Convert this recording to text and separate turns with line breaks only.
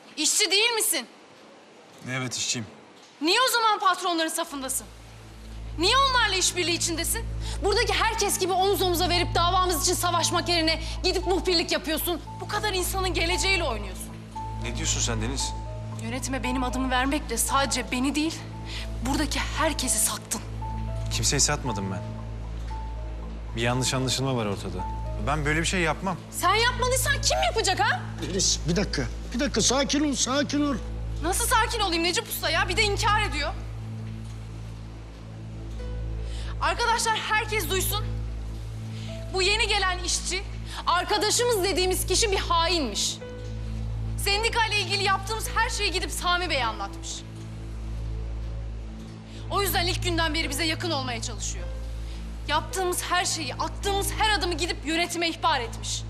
İşçi değil misin?
Evet, işçiyim.
Niye o zaman patronların safındasın? Niye onlarla işbirliği içindesin? Buradaki herkes gibi omuz omuza verip davamız için savaşmak yerine gidip muhbirlik yapıyorsun. Bu kadar insanın geleceğiyle oynuyorsun.
Ne diyorsun sen Deniz?
Yönetime benim adımı vermekle sadece beni değil, buradaki herkesi sattın.
Kimseyi satmadım ben. Bir yanlış anlaşılma var ortada. Ben böyle bir şey yapmam.
Sen yapmadıysan kim yapacak ha?
Deniz bir dakika. Bir dakika sakin ol, sakin ol.
Nasıl sakin olayım Necip Usta ya? Bir de inkar ediyor. Arkadaşlar herkes duysun. Bu yeni gelen işçi, arkadaşımız dediğimiz kişi bir hainmiş. Sendikayla ilgili yaptığımız her şeyi gidip Sami Bey'e anlatmış. O yüzden ilk günden beri bize yakın olmaya çalışıyor. Yaptığımız her şeyi, attığımız her adımı gidip yönetime ihbar etmiş.